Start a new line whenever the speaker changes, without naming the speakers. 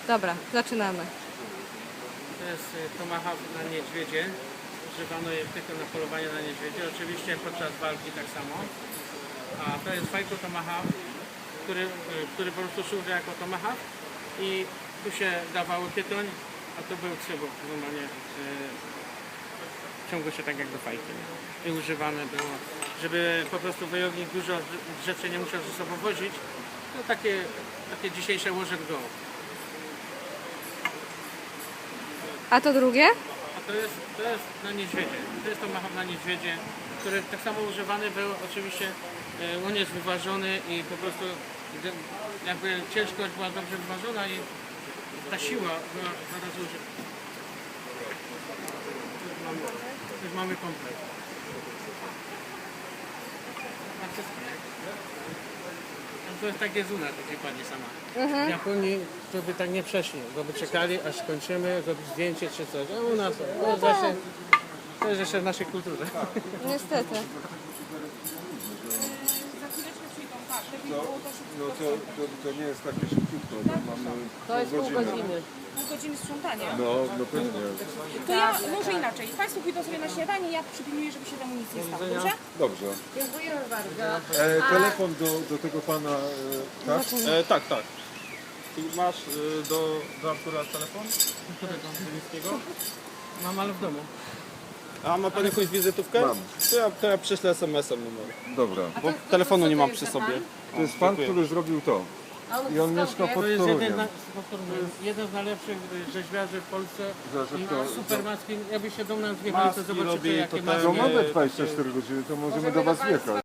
Dobra, zaczynamy.
To jest tomahawk na niedźwiedzie. Używano je tylko na polowanie na niedźwiedzie. Oczywiście podczas walki tak samo. A to jest fajko tomahawk, który po prostu służy jako tomahawk i tu się dawało tytoń, a tu był cybuk. Normalnie ciągło się tak jak do fajki. I używane było, żeby po prostu wojownik dużo rzeczy nie musiał ze sobą wozić. To takie dzisiejsze łoże w dołu.
A to drugie?
A to jest na niedźwiedzie. To jest tomahawk na niedźwiedzie, który tak samo używany był. Oczywiście on jest wyważony i po prostu jakby ciężkość była dobrze wyważona i ta siła była zaraz użyta. Tu już mamy komplet. To jest takie zuna, takie pani sama. W Japonii to by tak nie przeszli, bo by czekali aż skończymy, zrobić zdjęcie czy coś. A u nas to jest jeszcze w naszej kulturze.
Niestety.
No to nie jest takie szybciutko, to mamy
To jest pół godziny.
Pół godziny sprzątania.
No pewnie.
To ja może inaczej. Państwo pójdą sobie na śniadanie, ja przypilnuję, żeby się temu nic nie stało. Dobrze?
Dobrze.
Dziękujemy bardzo.
Telefon do tego pana, tak?
Tak. Ty masz do Artura telefon?
Którego? Ziemińskiego? Mam, ale w domu.
A ma pan jakąś wizytówkę?
Mam.
To ja prześlę SMS-em numer.
Dobra.
Bo telefonu nie mam przy sobie.
To jest pan, który zrobił to. I on mieszka pod
To jest
Toruniem.
jeden z najlepszych rzeźbiarzy w Polsce.
Że to-
I super maski. Jakby się do nas wjechali, to
Maski
zobaczycie
robi,
jakie
to
maski.
No
też-
mamy 24 godziny, to możemy do was wjechać.